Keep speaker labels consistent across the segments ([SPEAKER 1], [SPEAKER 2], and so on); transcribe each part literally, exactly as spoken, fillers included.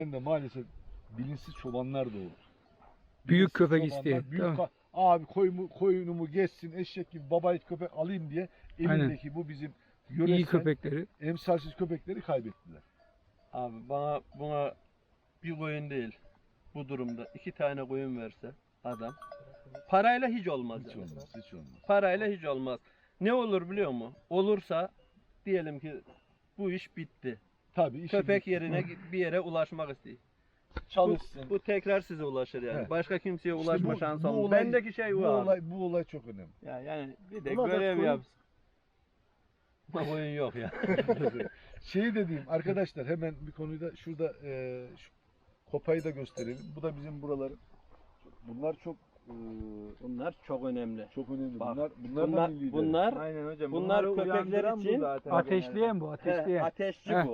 [SPEAKER 1] de maalesef bilinçsiz çobanlar da olur.
[SPEAKER 2] Büyük
[SPEAKER 1] Bilinçsiz
[SPEAKER 2] köpek
[SPEAKER 1] çobanlar,
[SPEAKER 2] isteyen.
[SPEAKER 1] Büyük
[SPEAKER 2] Tamam.
[SPEAKER 1] ka- abi koyumu, koyunumu geçsin eşek gibi babayit köpek alayım diye elindeki bu bizim
[SPEAKER 2] İyi
[SPEAKER 1] yöresel
[SPEAKER 2] köpekleri.
[SPEAKER 1] emsalsiz köpekleri kaybettiler.
[SPEAKER 3] Abi bana buna bir koyun değil bu durumda iki tane koyun verse adam parayla hiç olmaz.
[SPEAKER 1] Hiç
[SPEAKER 3] yani.
[SPEAKER 1] olmaz, hiç olmaz.
[SPEAKER 3] Parayla hiç olmaz. Ne olur biliyor musun? Olursa diyelim ki bu iş bitti.
[SPEAKER 1] Tabii işi
[SPEAKER 3] Köpek
[SPEAKER 1] bitti.
[SPEAKER 3] yerine bir yere ulaşmak istiyor. Bu,
[SPEAKER 1] çalışsın.
[SPEAKER 3] bu tekrar size ulaşır yani.
[SPEAKER 1] Evet.
[SPEAKER 3] Başka kimseye
[SPEAKER 1] İşte
[SPEAKER 3] ulaşma
[SPEAKER 1] bu-
[SPEAKER 3] şansı
[SPEAKER 1] bu
[SPEAKER 3] olmaz.
[SPEAKER 1] olay-
[SPEAKER 3] Bendeki şey
[SPEAKER 1] bu
[SPEAKER 3] bu abi.
[SPEAKER 1] olay, bu olay çok önemli.
[SPEAKER 3] Ya yani bir de
[SPEAKER 1] Buna da
[SPEAKER 3] görev
[SPEAKER 1] koyun-
[SPEAKER 3] yapsın. Ama koyun yok ya.
[SPEAKER 1] Şeyi de diyeyim arkadaşlar, hemen bir konuyu da şurada e, şu kopayı da gösterelim. Bu da bizim buraların. Bunlar çok e,
[SPEAKER 3] Bunlar çok önemli.
[SPEAKER 1] çok önemli.
[SPEAKER 3] Bak,
[SPEAKER 1] bunlar bunlar,
[SPEAKER 3] Bunlar,
[SPEAKER 1] da milli
[SPEAKER 3] bunlar
[SPEAKER 4] Aynen hocam.
[SPEAKER 3] Bunlar
[SPEAKER 4] Bunları
[SPEAKER 3] köpekler
[SPEAKER 4] uyandıran bu
[SPEAKER 3] için
[SPEAKER 4] zaten
[SPEAKER 2] Ateşleyen bu,
[SPEAKER 3] he,
[SPEAKER 2] ateşleyen.
[SPEAKER 3] ateşçi
[SPEAKER 2] Heh.
[SPEAKER 3] bu.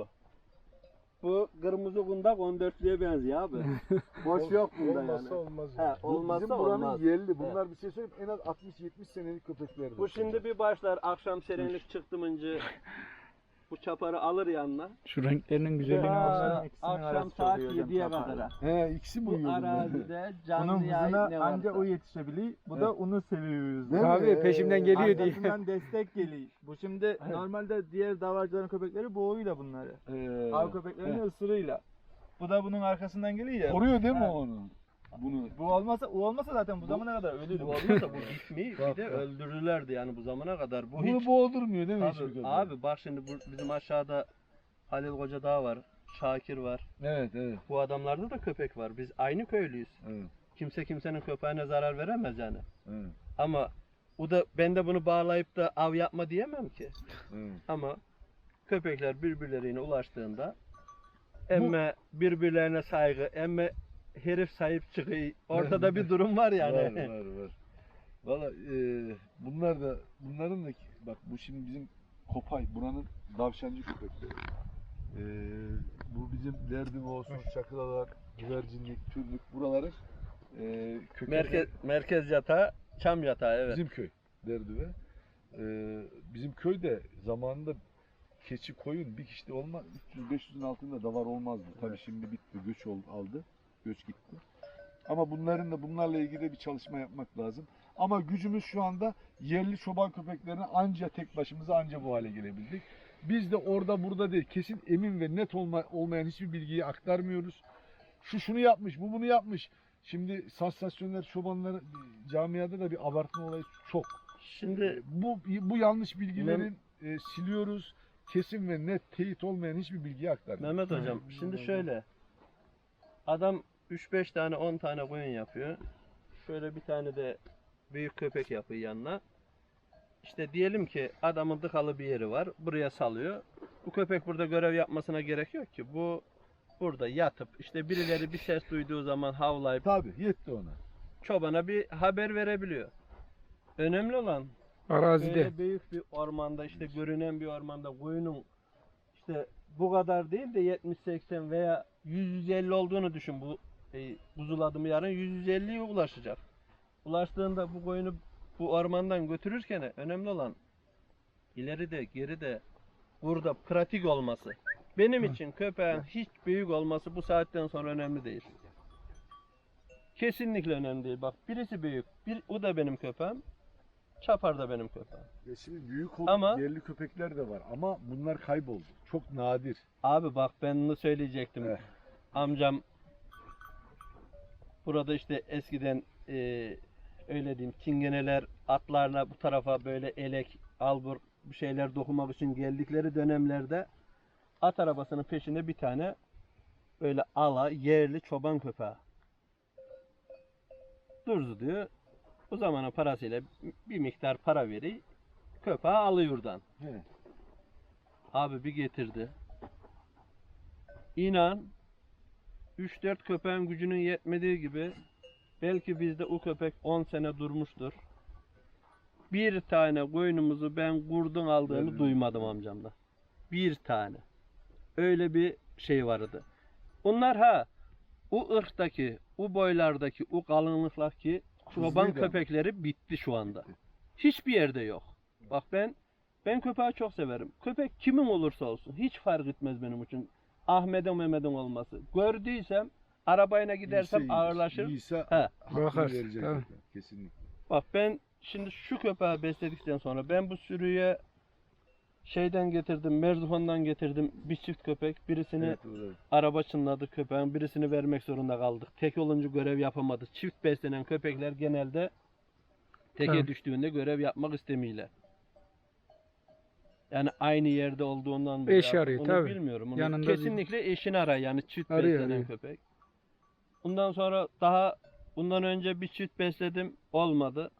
[SPEAKER 3] Bu kırmızı kundak on dörtlüye benziyor abi. Boş yok bunda
[SPEAKER 1] olmazsa
[SPEAKER 3] yani.
[SPEAKER 1] olmaz.
[SPEAKER 3] He,
[SPEAKER 1] yani. Bu
[SPEAKER 3] olmazsa
[SPEAKER 1] bizim buranın
[SPEAKER 3] olmaz.
[SPEAKER 1] yerli. Bunlar bir şey söyleyeyim, en az altmış yetmiş senelik köpeklerdir.
[SPEAKER 3] Bu şimdi bir başlar akşam serinlik çıktı mınca bu çaparı alır yanına.
[SPEAKER 2] Şu renklerinin güzelliğine
[SPEAKER 3] Aa,
[SPEAKER 2] baksana.
[SPEAKER 4] ikisinin
[SPEAKER 3] akşam
[SPEAKER 4] arası
[SPEAKER 3] saat
[SPEAKER 4] çok iyi hocam,
[SPEAKER 3] yediye
[SPEAKER 4] çaparla.
[SPEAKER 3] kadar.
[SPEAKER 1] He, ikisi mi
[SPEAKER 3] Bu
[SPEAKER 1] uyuyor bunlar?
[SPEAKER 3] arazide canlı
[SPEAKER 4] Bunun
[SPEAKER 3] yayın
[SPEAKER 4] hızına
[SPEAKER 3] ne
[SPEAKER 4] anca
[SPEAKER 3] varsa.
[SPEAKER 4] o yetişebiliyor. Bu
[SPEAKER 1] Evet.
[SPEAKER 4] da onu seviyoruz.
[SPEAKER 1] Değil mi?
[SPEAKER 2] Abi peşimden geliyor diye.
[SPEAKER 4] Arkasından destek geliyor. Bu şimdi normalde diğer davarcıların köpekleri boğuyla bunları.
[SPEAKER 1] Ee,
[SPEAKER 4] Av köpeklerinin ısırıyla. Bu da bunun arkasından geliyor ya.
[SPEAKER 1] koruyor değil mi
[SPEAKER 4] He.
[SPEAKER 1] onu? Bunu.
[SPEAKER 4] Bu olmasa, o olmasa zaten bu zamana kadar ölürdü.
[SPEAKER 3] Bu olmasa bu gitmeyi bir
[SPEAKER 1] Bak,
[SPEAKER 3] de
[SPEAKER 1] bak.
[SPEAKER 3] öldürürlerdi yani bu zamana kadar. Bu
[SPEAKER 1] Bunu
[SPEAKER 3] hiç
[SPEAKER 1] boğdurmuyor değil mi hiçbir
[SPEAKER 3] abi,
[SPEAKER 1] köpek?
[SPEAKER 3] abi bak şimdi bu, bizim aşağıda Halil Koca Dağ var. Şakir var.
[SPEAKER 1] Evet, evet,
[SPEAKER 3] Bu adamlarda da köpek var. Biz aynı köylüyüz.
[SPEAKER 1] evet,
[SPEAKER 3] Kimse kimsenin köpeğine zarar veremez yani.
[SPEAKER 1] evet,
[SPEAKER 3] Ama o da ben de bunu bağlayıp da av yapma diyemem ki.
[SPEAKER 1] evet.
[SPEAKER 3] Ama köpekler birbirlerine ulaştığında emme birbirlerine saygı, emme herif sahip çıkıyor. Ortada bir durum var yani.
[SPEAKER 1] Var, var, var. Valla e, bunlar da, bunların da bak bu şimdi bizim Kopay, buranın davşancı köpekleri. E, bu bizim derdim olsun, çakılalar, güvercinlik, türlük buraların e, kökeni
[SPEAKER 3] Merkez merkez yatağı, çam yatağı evet.
[SPEAKER 1] bizim köy derdi ve e, bizim köyde zamanında keçi koyun bir kişide olmaz, üç yüz beş yüzün altında davar olmazdı. Tabii şimdi bitti, göç oldu, aldı, göç gitti. Ama bunların da bunlarla ilgili de bir çalışma yapmak lazım. Ama gücümüz şu anda yerli çoban köpeklerine anca tek başımıza anca bu hale gelebildik. Biz de orada burada değil, kesin emin ve net olma, olmayan hiçbir bilgiyi aktarmıyoruz. Şu şunu yapmış, bu bunu yapmış. Şimdi sansasyonel çobanlar camiada da bir abartma olayı çok.
[SPEAKER 3] Şimdi
[SPEAKER 1] Bu bu yanlış bilgilerin e, siliyoruz. Kesin ve net teyit olmayan hiçbir bilgiyi aktarmıyoruz.
[SPEAKER 3] Mehmet hocam şimdi şöyle. Adam üç beş tane on tane koyun yapıyor. Şöyle bir tane de büyük köpek yapıyor yanına. İşte diyelim ki adamın dıkalı bir yeri var. Buraya salıyor. Bu köpek burada görev yapmasına gerek yok ki. Bu burada yatıp işte birileri bir ses duyduğu zaman havlayıp
[SPEAKER 1] Tabii yetti ona.
[SPEAKER 3] çobana bir haber verebiliyor. Önemli olan
[SPEAKER 2] Arazide.
[SPEAKER 3] böyle büyük bir ormanda işte görünen bir ormanda koyunun işte bu kadar değil de yetmiş seksen veya yüz yüz elli olduğunu düşün bu e, buzul yarın yüz yüz elliye ulaşacak. Ulaştığında bu koyunu bu ormandan götürürken önemli olan ileride geride burada pratik olması. Benim için köpeğin hiç büyük olması bu saatten sonra önemli değil. Kesinlikle önemli değil. Bak birisi büyük. Bir, o da benim köpeğim. Çapar da benim köpeğim.
[SPEAKER 1] Ya şimdi büyük olup
[SPEAKER 3] Ama-
[SPEAKER 1] yerli köpekler de var ama bunlar kayboldu. Çok nadir.
[SPEAKER 3] Abi bak ben bunu söyleyecektim.
[SPEAKER 1] Eh.
[SPEAKER 3] Amcam burada işte eskiden e, öyle diyeyim çingeneler atlarla bu tarafa böyle elek, albur bir şeyler dokumak için geldikleri dönemlerde at arabasının peşinde bir tane böyle ala yerli çoban köpeği durdu diyor. O zamanın parasıyla bir miktar para veri köpeği alıyor oradan.
[SPEAKER 1] He.
[SPEAKER 3] Abi bir getirdi. İnan üç dört köpeğin gücünün yetmediği gibi belki bizde o köpek on sene durmuştur. Bir tane koyunumuzu ben kurdun aldığını
[SPEAKER 1] Evet.
[SPEAKER 3] duymadım amcamda. Bir tane. Öyle bir şey vardı. Onlar ha o ırktaki, o boylardaki, o kalınlıktaki çoban
[SPEAKER 1] Hızlıydı
[SPEAKER 3] köpekleri bitti şu anda. Hiçbir yerde yok. Bak ben ben köpeği çok severim. Köpek kimin olursa olsun hiç fark etmez benim için. Ahmet'in Mehmet'in olması. Gördüysem arabayla gidersem
[SPEAKER 1] İyiyse
[SPEAKER 3] ağırlaşır.
[SPEAKER 1] İyiyse
[SPEAKER 3] He.
[SPEAKER 1] hakkını
[SPEAKER 2] Bakarsın,
[SPEAKER 1] verecek
[SPEAKER 2] tabii.
[SPEAKER 1] zaten, kesinlikle.
[SPEAKER 3] Bak ben şimdi şu köpeği besledikten sonra ben bu sürüye şeyden getirdim, Merzifon'dan getirdim bir çift köpek. Birisini
[SPEAKER 1] Evet, evet.
[SPEAKER 3] araba çınladı köpeğin, birisini vermek zorunda kaldık. Tek olunca görev yapamadı. Çift beslenen köpekler genelde teke
[SPEAKER 2] Tamam.
[SPEAKER 3] düştüğünde görev yapmak istemiyorlar. Yani aynı yerde olduğundan mı?
[SPEAKER 2] Eş
[SPEAKER 3] ya?
[SPEAKER 2] arıyor,
[SPEAKER 3] Onu
[SPEAKER 2] tabii.
[SPEAKER 3] bilmiyorum. Onu
[SPEAKER 2] Yanında
[SPEAKER 3] kesinlikle eşini arar yani çift
[SPEAKER 2] Arıyor,
[SPEAKER 3] beslenen
[SPEAKER 2] arıyor.
[SPEAKER 3] köpek. Bundan sonra daha bundan önce bir çift besledim olmadı.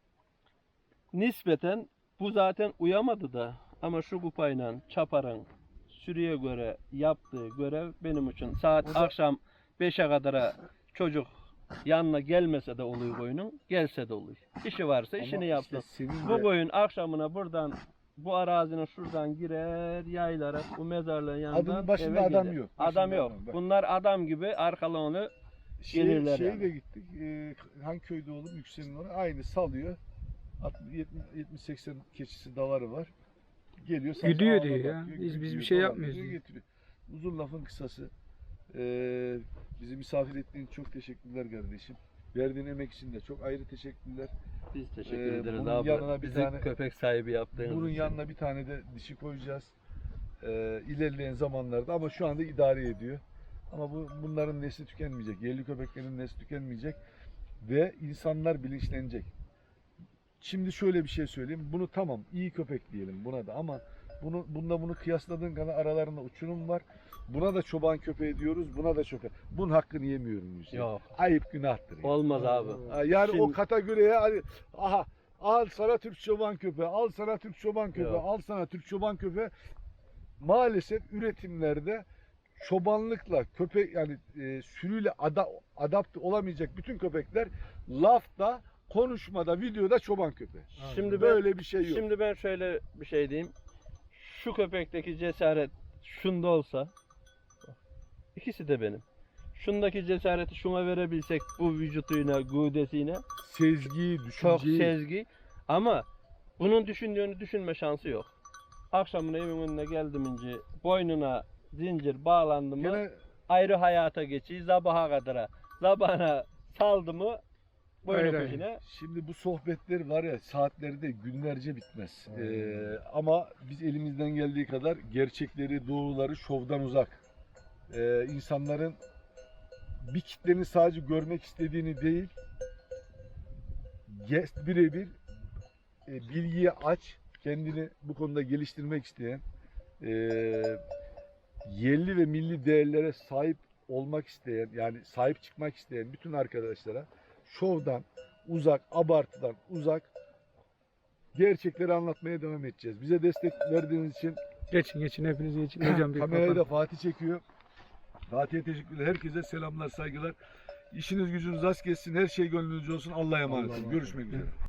[SPEAKER 3] Nispeten bu zaten uyamadı da ama şu kupayla çaparın sürüye göre yaptığı görev benim için saat
[SPEAKER 1] O da-
[SPEAKER 3] akşam beşe kadara çocuk yanına gelmese de oluyor koyunun, gelse de oluyor. İşi varsa işini
[SPEAKER 1] Ama
[SPEAKER 3] yapsın.
[SPEAKER 1] işte senin
[SPEAKER 3] Bu
[SPEAKER 1] de-
[SPEAKER 3] koyun akşamına buradan bu arazinin şuradan girer yaylara bu mezarlığın yanından
[SPEAKER 1] Adamın başında
[SPEAKER 3] eve
[SPEAKER 1] adam
[SPEAKER 3] gelir.
[SPEAKER 1] yok.
[SPEAKER 3] Adam
[SPEAKER 1] Başında
[SPEAKER 3] yok.
[SPEAKER 1] adam, bak.
[SPEAKER 3] Bunlar adam gibi arkalarını
[SPEAKER 1] Şey,
[SPEAKER 3] gelirler
[SPEAKER 1] şeye
[SPEAKER 3] yani.
[SPEAKER 1] de gittik. E, hangi köyde oğlum? Yüksel'in oraya. Aynı salıyor. yetmiş seksen keçisi davarı var. Geliyor. sadece
[SPEAKER 2] Güdüyor
[SPEAKER 1] ağına
[SPEAKER 2] diyor ya.
[SPEAKER 1] bakıyor,
[SPEAKER 2] Biz- biz bir
[SPEAKER 1] güdüyor,
[SPEAKER 2] şey
[SPEAKER 1] davar
[SPEAKER 2] yapmıyoruz
[SPEAKER 1] diyor,
[SPEAKER 2] diyor.
[SPEAKER 1] getiriyor. Uzun lafın kısası. E, bizi misafir ettiğin için çok teşekkürler kardeşim. Verdiğin emek için de çok ayrı teşekkürler.
[SPEAKER 3] biz teşekkür
[SPEAKER 1] Ee,
[SPEAKER 3] ederiz
[SPEAKER 1] bunun
[SPEAKER 3] abi.
[SPEAKER 1] yanına bir
[SPEAKER 3] Bizi
[SPEAKER 1] tane-
[SPEAKER 3] köpek sahibi yaptığınız
[SPEAKER 1] Bunun
[SPEAKER 3] için.
[SPEAKER 1] yanına bir tane de dişi koyacağız. Ee, ilerleyen zamanlarda ama şu anda idare ediyor. Ama bu bunların nesli tükenmeyecek. Yerli köpeklerin nesli tükenmeyecek ve insanlar bilinçlenecek. Şimdi şöyle bir şey söyleyeyim. Bunu tamam iyi köpek diyelim buna da ama bunu bunda bunu kıyasladığın kadar aralarında uçurum var. Buna da çoban köpeği diyoruz. Buna da köpek. Bunun hakkını yemiyorum Hüseyin.
[SPEAKER 3] Yok.
[SPEAKER 1] Ayıp günahtır. yani.
[SPEAKER 3] Olmaz abi.
[SPEAKER 1] Ha, Yani
[SPEAKER 3] Şimdi-
[SPEAKER 1] o kategoriye hani aha al sana Türk çoban köpeği, al sana Türk çoban köpeği,
[SPEAKER 3] Yok.
[SPEAKER 1] al sana Türk çoban köpeği. Maalesef üretimlerde çobanlıkla köpek yani e, sürüyle ada, adapte olamayacak bütün köpekler lafta, konuşmada, videoda çoban köpeği.
[SPEAKER 3] Şimdi ben
[SPEAKER 1] Böyle bir şey yok.
[SPEAKER 3] Şimdi ben şöyle bir şey diyeyim. Şu köpekteki cesaret şunda olsa ikisi de benim. Şundaki cesareti şuna verebilsek bu vücutuyla, gövdesiyle
[SPEAKER 1] Sezgi,
[SPEAKER 3] çok
[SPEAKER 1] düşünceyi.
[SPEAKER 3] sezgi ama bunun düşündüğünü düşünme şansı yok. Akşamına evin önüne geldim ince boynuna zincir bağlandı mı
[SPEAKER 1] Gene
[SPEAKER 3] ayrı hayata geçiyor sabaha kadara. Sabahına saldı mı boynu
[SPEAKER 2] Hayır, hayır.
[SPEAKER 3] peşine.
[SPEAKER 1] Şimdi bu sohbetler var ya saatleri de günlerce bitmez. Ee, ama biz elimizden geldiği kadar gerçekleri, doğruları şovdan uzak. Ee, insanların bir kitlenin sadece görmek istediğini değil, ge- birebir e, bilgiye aç, kendini bu konuda geliştirmek isteyen, e, yerli ve milli değerlere sahip olmak isteyen, yani sahip çıkmak isteyen bütün arkadaşlara şovdan uzak, abartıdan uzak gerçekleri anlatmaya devam edeceğiz. Bize destek verdiğiniz için
[SPEAKER 2] Geçin geçin hepiniz geçin. Hocam bir
[SPEAKER 1] kamerayı
[SPEAKER 2] kapat.
[SPEAKER 1] da Fatih çekiyor. Fatih'e teşekkürler. Herkese selamlar, saygılar. İşiniz gücünüz rast gelsin. Her şey gönlünüzce olsun. Allah'a emanet olun. Görüşmek üzere.